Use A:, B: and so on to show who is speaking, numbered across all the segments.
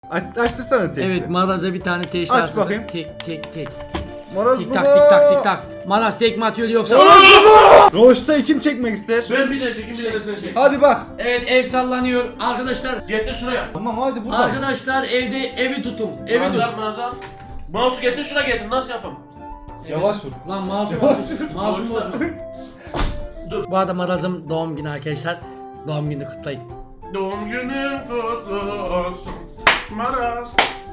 A: Açtırsana tek.
B: Evet, Maraz'a bir tane teşhis
A: Aç
B: atıldı.
A: bakayım.
B: Tek.
A: Maraz
B: Tik
A: baba.
B: tak tik tak tik tak. Maraz tek mi atıyor yoksa?
A: Roş'ta kim çekmek ister?
C: Ben bir de çekeyim bir de sen çek.
A: Hadi bak.
B: Evet, ev sallanıyor arkadaşlar.
C: Getir şuraya.
A: Tamam hadi buradan.
B: Arkadaşlar evi tutun. Evi tut.
C: Manazar. Mouse'u getir şuraya getir. Nasıl yapalım?
A: Yavaş vur.
B: Lan masum bozma.
C: Dur.
B: Bu arada Maraz'ın doğum günü arkadaşlar. Doğum günü kutlayın.
C: Doğum günün kutlu olsun. Maraz.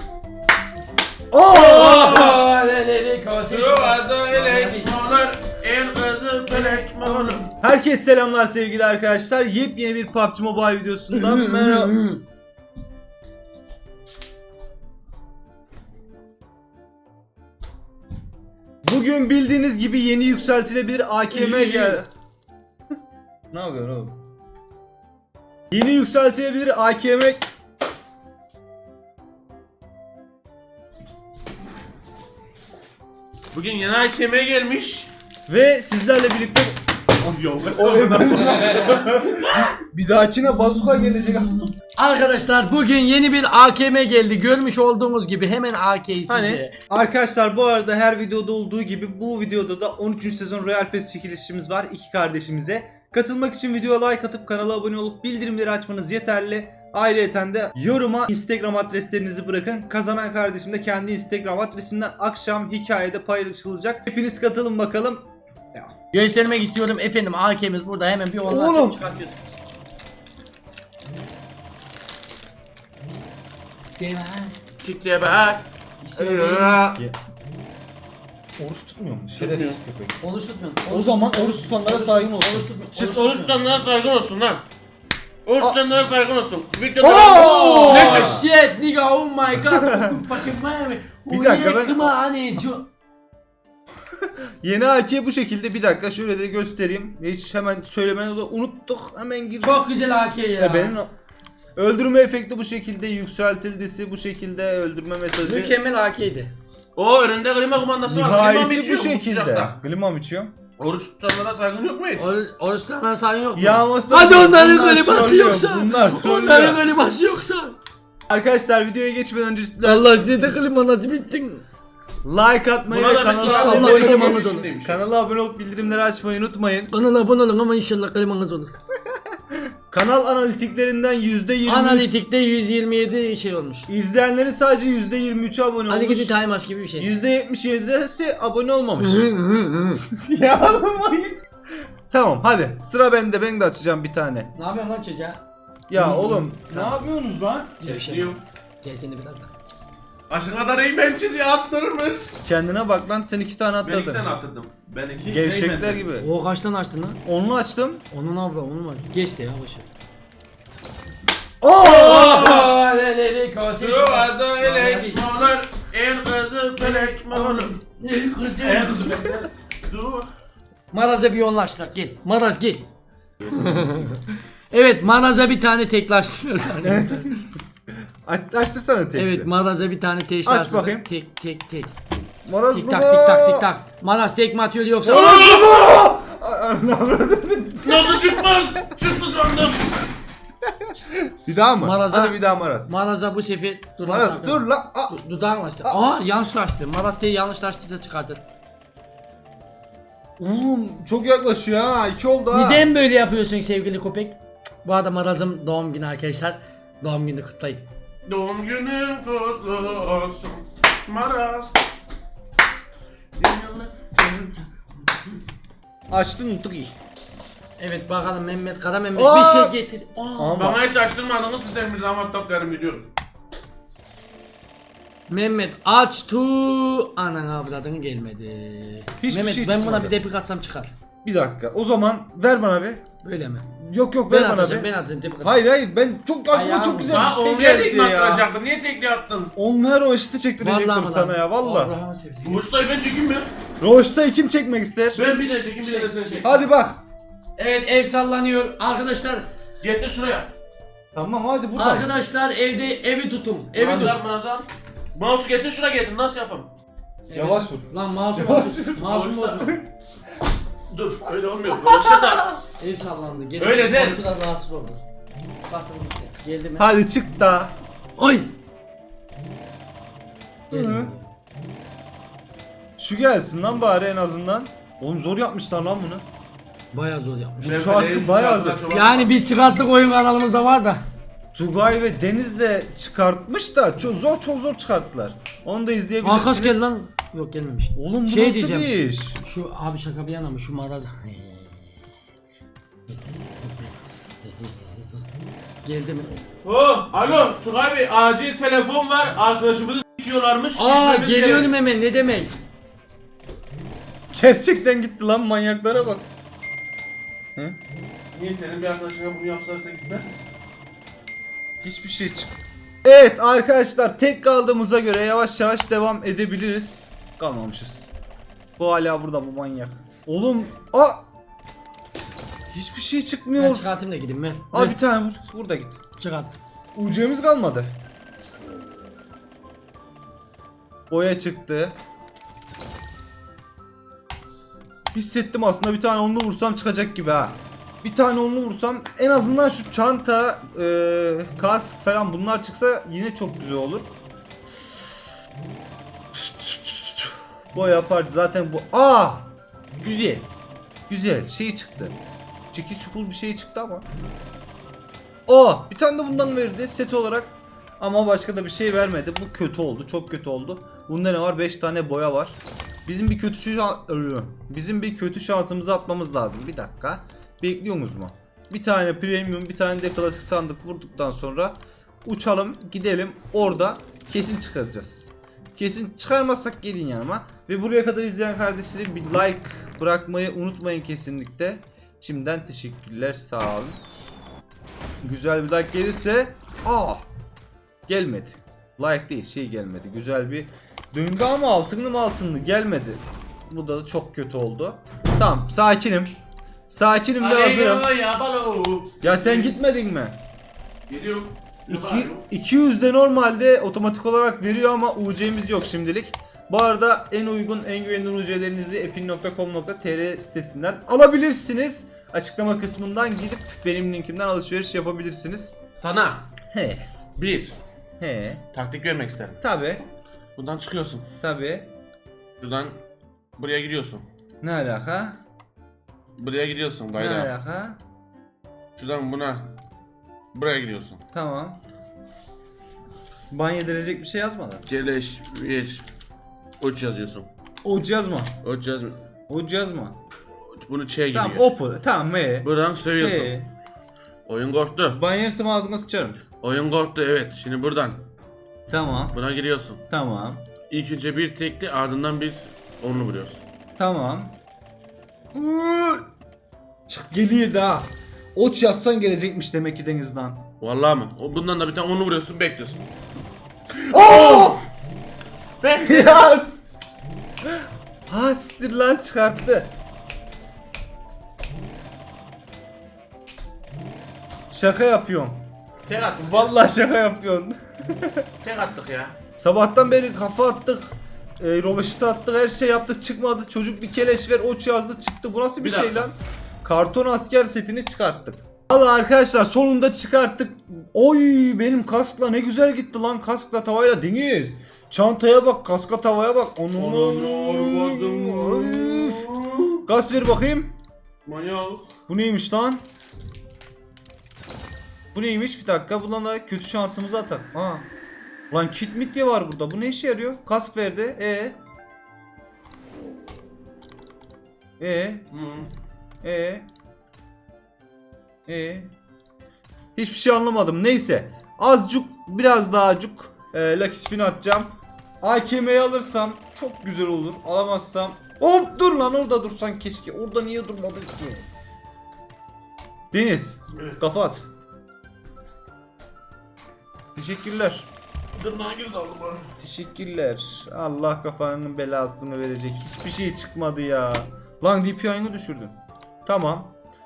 C: Yuvada elek molar. En kızı pelek molar.
A: Herkese selamlar sevgili arkadaşlar. Yepyeni bir PUBG Mobile videosundan merhaba. Bugün bildiğiniz gibi yeni yükseltilebilir AKM geldi. Ne yapıyorsun oğlum? Yeni yükseltilebilir AKM
C: Bugün yeni hakeme gelmiş.
A: ve sizlerle birlikte bir dahakine bazuka gelecek.
B: Arkadaşlar bugün yeni bir AKM geldi. Görmüş olduğunuz gibi hemen AK'yi size.
A: Hani arkadaşlar bu arada her videoda olduğu gibi bu videoda da 13. sezon Royal Pass çekilişimiz var iki kardeşimize. Katılmak için videoya like atıp kanala abone olup bildirimleri açmanız yeterli. Ayrıca de yoruma Instagram adreslerinizi bırakın. Kazanan kardeşim de kendi Instagram adresinden akşam hikayede paylaşılacak. Hepiniz katılın bakalım.
B: Göstermek istiyorum efendim, AK'miz burada, hemen bir onlar
A: Oğlum.
B: çıkartıyorsunuz.
C: Kitleye bak.
A: Oruç tutmuyor mu? Şerefsiz köpek.
B: Oruç tutmuyor.
A: O zaman oruç tutanlara saygın olsun.
C: Çık oruç tutanlara saygın olsun lan. Oruç tutanlara saygın olsun. Videoda
A: Oo!
C: ne
B: Oh
C: çık?
B: shit nigga, oh my god. Fucking man.
A: Bir dakika, ben-
B: hani
A: Yeni AK bu şekilde, bir dakika şöyle de göstereyim. Hiç hemen söylemeni de unuttuk. Hemen gir.
B: çok güzel AK ya.
A: Benim öldürme efekti bu şekilde, yükseltildisi bu şekilde, öldürme mesajı.
B: Mükemmel AK'ydi.
C: O önünde klima kumandası var. Klima
A: Nihayesi
C: bitiyor
A: bu
C: bu
A: şekilde.
C: sıcakta.
A: Klima içiyor.
C: Oruç tutanlara saygın yok mu hiç?
B: Oruçlardan sayın yok mu?
A: Yağması da
B: Hadi
A: bunlar
B: onların kliması
A: trollüyor,
B: yoksa.
A: bunlar
B: Onların
A: trollüyor.
B: kliması yoksa.
A: Arkadaşlar videoya geçmeden önce
B: Allah size de klima nasip etsin.
A: like atmayı
C: Buna
A: ve
C: da
A: kanala
B: inşallah
A: abone olup
B: klimanız olur.
A: kanala abone olup bildirimleri açmayı unutmayın.
B: Kanala abone olun ama inşallah klimanız olur.
A: Kanal analitikerinden %20
B: Analitikte 127 şey olmuş.
A: izleyenlerin sadece %23'ü abone
B: Hadi
A: olmuş.
B: gidin timeask gibi bir şey.
A: %77'si abone olmamış. Ya oğlum. Tamam hadi sıra bende, ben de açacağım bir tane.
B: Ne yapıyorsun lan çocuğa?
A: Ya oğlum ne yapıyorsunuz lan?
B: Hiçbir şey
C: Yok.
B: yok. Gel seni biraz daha.
C: Aşağı kadar eğmen çiziyi attırmış.
A: Kendine bak lan, sen 2 tane
C: Ben iki
A: atladın.
C: tane attırdım. Ben iki.
A: Gevşekler
C: Rayman'den.
A: gibi.
B: O kaçtan açtın lan?
A: Onu açtım.
B: Onun abla onun var. Geç de ya başı.
A: Oo!
C: Yuvada elek molar. En kızı pelek molar. En kızı pelek. Dur.
B: Maraz'a bir yoğunlaştık, gel. Maraz gel. Evet, Maraz'a bir tane teklaştırıyoruz.
A: Açtırsana tek.
B: Evet, Maraz'a bir tane teşhis
A: Aç
B: atıldı.
A: bakayım.
B: Tek.
A: Maraz
B: Tik
A: baba.
B: tak tik tak tik tak. Maraz tek mi atıyor yoksa?
C: Nasıl çıkmaz? Çıktı sandım.
A: Bir daha mı?
B: Maraz'a-
A: Hadi bir daha Maraz.
B: Maraz'a bu sefer
A: Maraz dur lan. Aa.
B: Dudağını açtı. Aa yanlışlaştı. Maraz teyi yanlışlaştıysa çıkartır.
A: Oğlum çok yaklaşıyor ha. 2 oldu ha.
B: Neden böyle yapıyorsun sevgili köpek? Bu arada Maraz'ın doğum günü arkadaşlar. Doğum günü kutlayın.
C: Doğum günün kutlu olsun. Maraz.
A: Açtın unuttuk iyi.
B: Evet bakalım Mehmet Kara Mehmet
A: Aa!
B: bir şey getir. Aa.
A: Ama
C: Bana hiç açtırmadınız, siz emri zaman toplarım gidiyorum.
B: Mehmet açtı. Anan avradın gelmedi.
A: Hiçbir
B: Mehmet
A: şey
B: ben
A: çıkmadı.
B: buna bir depik atsam çıkar.
A: bir dakika. O zaman ver bana bir.
B: Böyle mi?
A: Yok
B: Ben
A: ver bana
B: atacağım,
A: bir.
B: ben atacağım depik atacağım.
A: Hayır ben çok aklıma
B: Ayağım
A: çok güzel
C: Ha
A: bir şey
C: onu niye
A: geldi
C: tekme
A: ya.
C: attıracaktın? Niye tekme attın?
A: Onlar o işte çektirecektim
B: Vallahi
A: sana ya valla.
B: Allah'ını seversen.
C: Muştayı ben çekeyim mi?
A: Roş'ta kim çekmek ister?
C: Ben bir de çekeyim bir de sen çek.
A: Hadi bak.
B: Evet ev sallanıyor arkadaşlar.
C: Getir şuraya.
A: Tamam hadi buradan.
B: Arkadaşlar evi tutun. Evi tut.
C: Manazar. Mouse'u getir şuraya getir. Nasıl yapalım?
A: Yavaş vur.
B: Lan masum bozma.
C: Dur öyle olmuyor. Roşa da.
B: Ev sallandı.
C: Öyle değil.
B: Komşular rahatsız oldu. Bastım gitti. Geldi mi?
A: Hadi çık da.
B: Oy! Gelmiyor.
A: Şu gelsin lan bari en azından. Oğlum zor yapmışlar lan bunu.
B: Bayağı zor yapmış.
A: Bu şarkı bayağı zor.
B: Yani biz çıkarttık, oyun kanalımızda var da.
A: Tugay ve Deniz de çıkartmış da çok zor çıkarttılar. Onu da izleyebilirsiniz.
B: Arkadaş geldi lan. Yok gelmemiş.
A: Oğlum bu
B: Şey
A: nasıl
B: diyeceğim.
A: bir iş?
B: Şu abi şaka bir yana mı şu maraz. Geldi mi?
C: Oh, alo Tugay Bey, acil telefon var, arkadaşımızı s**iyorlarmış.
B: Aa
C: Gitmemiz
B: geliyorum
C: gerek.
B: hemen, ne demek?
A: Gerçekten gitti lan, manyaklara bak. Hı?
C: Niye senin bir arkadaşına bunu yapsalarsa gitmez?
A: Hiçbir şey çık. Evet arkadaşlar, tek kaldığımıza göre yavaş yavaş devam edebiliriz. Kalmamışız. Bu hala burada, bu manyak. Oğlum hiçbir şey
B: Ben
A: çıkmıyor.
B: çıkartayım da gideyim ver.
A: Abi bir tane vur. Vur da git.
B: Çıkarttım.
A: UC'miz kalmadı. Boya çıktı. Hissettim aslında, bir tane onlu vursam çıkacak gibi ha. Bir tane onlu vursam en azından şu çanta, kask falan bunlar çıksa yine çok güzel olur. Boya yapar zaten bu. Güzel. Güzel şey çıktı. Çekiç çukul bir şey çıktı ama. Bir tane de bundan verdi set olarak. Ama başka da bir şey vermedi. Bu kötü oldu. Çok kötü oldu. Bunda ne var? 5 tane boya var. Bizim bir kötü şansımızı atmamız lazım. Bir dakika. Bekliyorsunuz mu? Bir tane premium, bir tane de klasik sandık vurduktan sonra uçalım, gidelim. Orada kesin çıkaracağız. Kesin çıkarmazsak gelin yanıma. Ve buraya kadar izleyen kardeşlerim bir like bırakmayı unutmayın kesinlikle. Şimdiden teşekkürler, sağ olun. Güzel bir like gelirse gelmedi. Like değil, şey gelmedi. Güzel bir döndü ama altınlı gelmedi. Bu da çok kötü oldu. Tamam, sakinim. Sakinim ve hazırım. Ya sen gitmedin mi?
C: Geliyorum.
A: 200 de normalde otomatik olarak veriyor ama UC'miz yok şimdilik. Bu arada en uygun, en güvenilir UC'lerinizi epin.com.tr sitesinden alabilirsiniz. Açıklama kısmından gidip benim linkimden alışveriş yapabilirsiniz.
C: Sana
A: He.
C: bir
A: He.
C: taktik vermek isterim.
A: Tabi.
C: Buradan çıkıyorsun.
A: Tabi.
C: Şuradan buraya gidiyorsun.
A: Ne alaka?
C: Buraya gidiyorsun
A: Ne
C: gayda.
A: alaka?
C: Şuradan buraya gidiyorsun.
A: Tamam. Ban yedirecek bir şey yazmadan.
C: Geleş bir uç yazıyorsun.
A: Uç yazma.
C: Uç yaz.
A: Uç yazma.
C: Bunu gidiyor.
A: Tamam opu. Tamam me.
C: Buradan söylüyorsun. Oyun korktu.
A: Ban yersem ağzına sıçarım.
C: Oyun korktu, evet. Şimdi buradan
A: Tamam.
C: buna giriyorsun.
A: Tamam.
C: İlk önce bir tekli, ardından bir onlu vuruyorsun.
A: Tamam. Çık geliyor da. Oç yazsan gelecekmiş demek ki denizden.
C: Vallahi mı? Bundan da bir tane onlu vuruyorsun, bekliyorsun.
A: Bekle. Yaz. Siktir lan, çıkarttı. Şaka yapıyorum.
C: Tek attık.
A: Vallahi şaka yapıyorsun.
C: Tek attık ya.
A: Sabahtan beri kafa attık. Rovaşit attık, her şey yaptık, çıkmadı. Çocuk bir keleş ver, oç yazdı, çıktı. Bu nasıl bir şey
C: dakika.
A: lan? Karton asker setini çıkarttık. Valla arkadaşlar sonunda çıkarttık. Oy, benim kaskla ne güzel gitti lan, kaskla tavayla Deniz. Çantaya bak, kaska tavaya bak. Üf. Gaz ver bakayım.
C: Manyak.
A: Bu neymiş lan? Bu neymiş? Bir dakika, bundan da kötü şansımızı atar. Lan kit mit diye var burada. Bu ne işe yarıyor? Kask verdi. Hiçbir şey anlamadım. Neyse. Azıcık, biraz daha acık Lucky Spin atacağım. AKM'yi alırsam çok güzel olur. Alamazsam hop, dur lan, orada dursan keşke. Orada niye durmadın ki? Deniz, kafa at. Teşekkürler.
C: Dırnağa girdi aldım bana.
A: Teşekkürler. Allah kafanın belasını verecek. Hiçbir şey çıkmadı ya. Lan DPI'ını düşürdün. Tamam.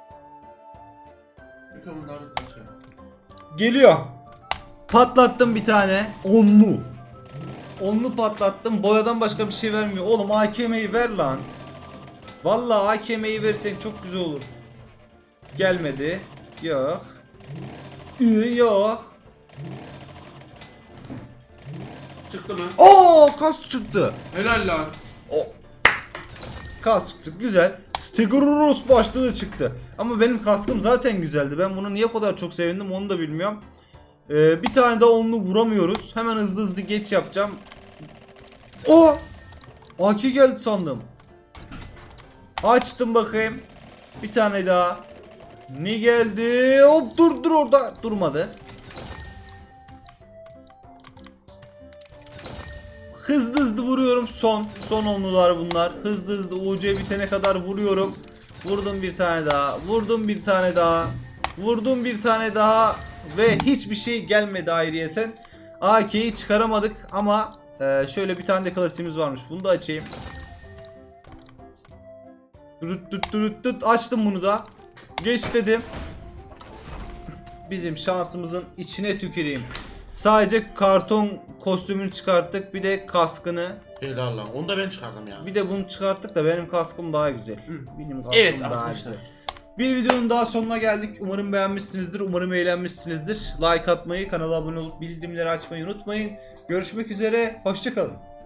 A: Geliyor. Patlattım bir tane. Onlu. Onlu patlattım. Boyadan başka bir şey vermiyor. Oğlum AKM'yi ver lan. Vallahi AKM'yi versen çok güzel olur. Gelmedi. Yok. Yok.
C: çıktı mı?
A: Oo, kask çıktı.
C: Helal lan.
A: O kask çıktı, güzel. Stigurus başlığı çıktı. Ama benim kaskım zaten güzeldi. Ben bunu niye bu kadar çok sevindim onu da bilmiyorum. Bir tane daha onlu vuramıyoruz. Hemen hızlı hızlı geç yapacağım. O AK geldi sandım. Açtım bakayım. Bir tane daha. Ne geldi? Hop, dur orada. Durmadı. Hızlı vuruyorum. Son onlular bunlar. Hızlı UC bitene kadar vuruyorum. Vurdum bir tane daha. Vurdum bir tane daha. Vurdum bir tane daha. Ve hiçbir şey gelmedi ayrıyeten. AK'yi çıkaramadık ama şöyle bir tane de klasiğimiz varmış. Bunu da açayım. Açtım bunu da. Geç dedim. Bizim şansımızın içine tüküreyim. Sadece karton kostümünü çıkarttık. Bir de kaskını.
C: Helal lan. Onu da ben çıkardım ya.
A: Bir de bunu çıkarttık da benim kaskım daha güzel. Benim kaskım
C: Evet
A: daha
C: arkadaşlar.
A: güzel. Bir videonun daha sonuna geldik. Umarım beğenmişsinizdir. Umarım eğlenmişsinizdir. Like atmayı, kanala abone olup bildirimleri açmayı unutmayın. Görüşmek üzere. Hoşça kalın.